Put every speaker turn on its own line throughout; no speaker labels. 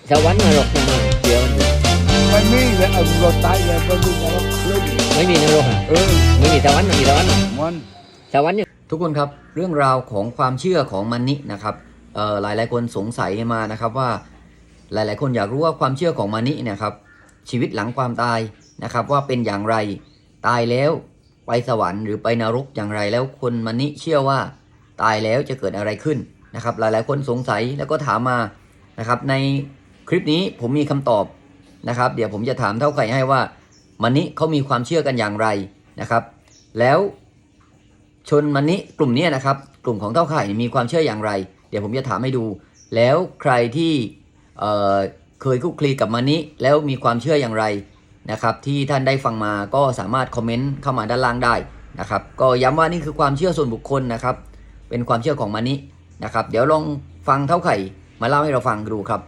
สวรรค์นรกยังไงเชื่อมันอยู่
ไม่มีเลยเราตายเลยไม่มีนรกเลย
ไม่มีนรกอ่ะไม่มีสวรรค์ไม่มีสวรรค์สวรรค์เนี่ยทุกคนครับเรื่องราวของความเชื่อของมันนี่นะครับหลายคนสงสัยมานะครับว่าหลายๆคนอยากรู้ว่าความเชื่อของมันนี่เนี่ยครับชีวิตหลังความตายนะครับว่าเป็นอย่างไรตายแล้วไปสวรรค์หรือไปนรกอย่างไรแล้วคนมันนี่เชื่อว่าตายแล้วจะเกิดอะไรขึ้นนะครับหลายๆคนสงสัยแล้วก็ถามมานะครับในคลิปนี้ผมมีคำตอบนะครับเดี๋ยวผมจะถามเท่าไข่ให้ว่ามันนี่เขามีความเชื่อกันอย่างไรนะครับแล้วชนมันนี่กลุ่มนี้นะครับกลุ่มของเท่าไข่มีความเชื่ออย่างไรเดี๋ยวผมจะถามให้ดูแล้วใครที่เคยคลุกคลีกับมันนี่แล้วมีความเชื่ออย่างไรนะครับที่ท่านได้ฟังมาก็สามารถคอมเมนต์เข้ามาด้านล่างได้นะครับก็ย้ำว่านี่คือความเชื่อส่วนบุคคลนะครับเป็นความเชื่อของมันนี่นะครับเดี๋ยวลองฟังเท่าไข่มาเล่าให้เราฟังดูครับ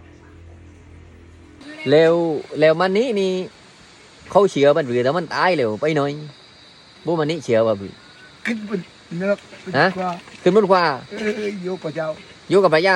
แล้วมันนี่เขาเชื่อมันหรือแต่มันตายแล้วไปหน่อยบุมันนี่เชื่อว่าบิ
ขึ้นบนนรก
ขึ้นบนฟ้า
โยกพระเจ้า
อยู่กับพระเจ้า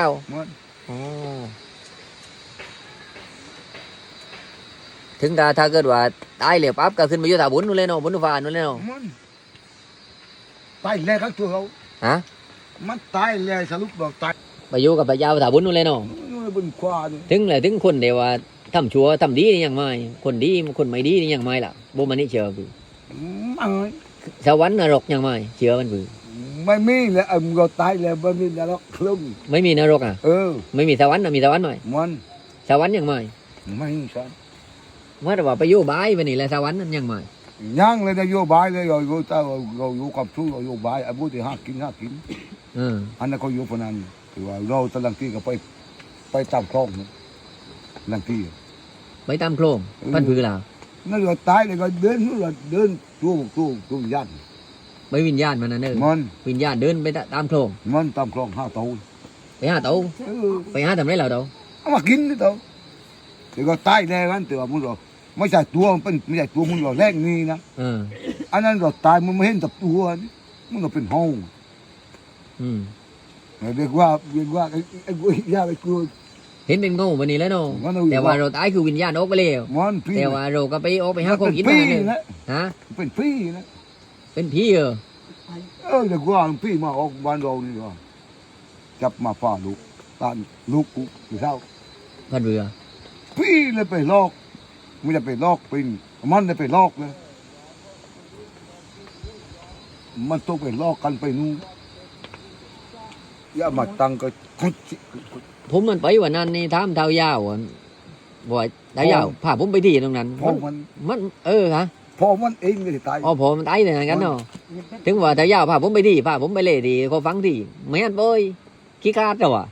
ถึงถ้าเกิดว่าตายแล้วปั๊บก็ขึ้นมาอยู่ถาบุญนู่นเลยเนาะบุญฟ้านู่นเลยเนาะ
ตายแล้วครับตัวเขามันตายแล้วสรุปบอกตาย
ไปอยู่กับพระเจ้าถาบุญนู่นเลยเนาะ
บนฟ้า
ถึงคนเดียวว่าทำชั่วทำดีนี่ยังไม่คนดีคนไม่ดีนี่ยังไม่ล่ะบุมันนี่เชื่อบิสวรรค์นรกยังไม่เชื่อมันบิ
ไม่มีเลยเราตายแล้วไม่มีนรกลง
ไม่มีนรกอ่ะไม่มีสวรรค์นะมีสวรรค์หน่อยสวรรค์ยังไม่
ใช่
เมื่อว่าไปอยู่บ้านไปนี่แหละสวรรค์นั้นยังไม่
ยังเลยนะโยบายเลยเราอยู่กับทุกเราโยบายบุตรห้ากินอันนั้นเขาอยู่พนันถือว่าเราตะลังที่ก็ไปตามคลองลังที่
ไปตามโครงพันผือล่ะ
นั่นเราตายเลยก็เดินตัวยัน
ไปวิญญาณมันนั่นเองวิญญาณเดินไปตามโครง
มันตามคลองห้าเตา
ไปห้าเตาไปห้าทำไรเราเตา
เอามากินนี่เตาแต่ก็ตายแน่กันแต่ว่ามึงเราไม่ใช่ตัวมันเป็นไม่ใช่ตัวมึงเราแรกนี่นะอันนั้นเราตายมันไม่เห็นกับตัวมึงเราเป็นห้องเรียกว่าไอ้กุยยาไอ้กุย
เห็นเป็นงูวันนี้แล้วเนาะแต่ว่าเราตายคือวิญญาณออกไปแล้วแต่ว่าเราก็ไปออกไปหาของกินมาเนี่ยฮะ
เป็นพี่นะ
เป็นพี่
เรียกว่าพี่มาออกบ้านเรานี่ว่าจับมาฝ่าลูกตานลูกกูอยู่เท่า
พันเรือ
พี่เลยไปลอกไม่ได้ไปลอกเป็นมันเลยไปลอกเลยมันต้องไปลอกกันไปนู่นอย่ามาตั้งก็
ผมมันไปวันนั้นนี่ทำเท้ายาวบ่อยเท้ายาวพาผมไปที่ตรงนั้นมันฮะ
พอมันเองเลยตาย
พอมันตายเลยงั้นเนาะถึงว่าเท้ายาวพาผมไปที่พาผมไปเล่ดีเขาฟังที่ไม่อันเบยขี้คาดเจ้าอ่ะ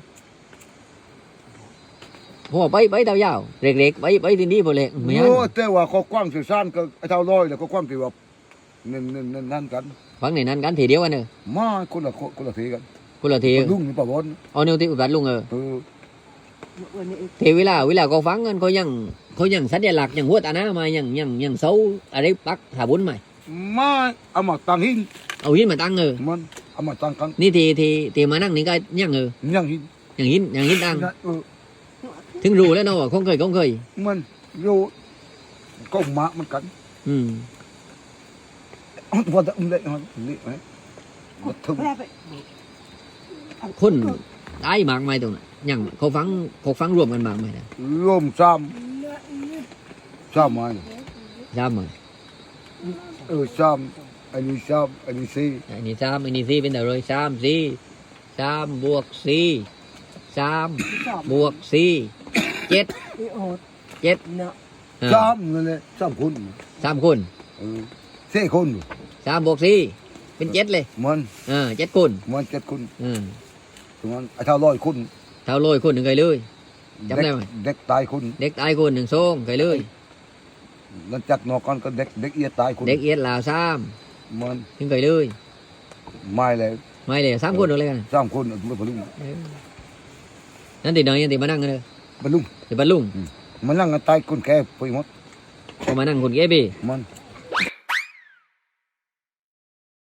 พอไปเท้ายาวเล็กๆไปที่นี่พอเล็ก
ไม่อันแต่ว่าเขากว้างสื่อสารก็เท่าร้อยแล้วก็กว้างที่ว่านั่นกัน
ฟังในนั้นกันทีเดียวกันเนอะ
มาคนละทีกัน
คนละที
ลุงนี่ป่าวบอล
เอาเนื้อที่อุบัติลุงเทเวลาเขาฟังกันเขายังสัญลักษณ์ยังหัวตาหน้ามายังเสาอะไรปักหาบุญใหม่
มาเอามาตั้งหิน
เอาหินมาตั้ง
มันเอามาตั้งกัน
นี่ทีมานั่งนี่ก็ยังหินตั้งถึงรู้แล้วเนาะคงเคย
มันรู้ก็มามันกันพอจะเลยนี่ไหม
คนตายมากไหมตรงนั้นยังเขาฟังรวมกันมากไหมนะ
รวมซ้ำไหม
ซ้ำไหม
ซ้ำอันนี้ซ้ำอันนี้สี่
อันนี้ซ้ำอันนี้สี่เป็นอะไร3 บวก4 3 บวก4 7
ซ้ำนั่นแหละ3 คน4 คน
3 บวก 4เป็น7เลย
มัน
7 คน
มัน7 คนมันเท่า100 คน
100 คนหนึ่งไกลเลยจำได้ไหม
เด็กตายคน
1 โซ่ไกลเลย
หลังจากนอกกันก็เด็กเอียดตายคน
เด็กเอียดลาว3
มัน
ถึงไกลเลย
ไม่เลย
3 คนอะไรกัน
3 คนไม่บรรลุ
นั่นติดหน่อยติดมานั่งกันเลย
บรรลุ
ติดบรรลุ
มันนั่งกันตายคนแก่ไปหมด
พอมานั่งคนแก่ไป
มัน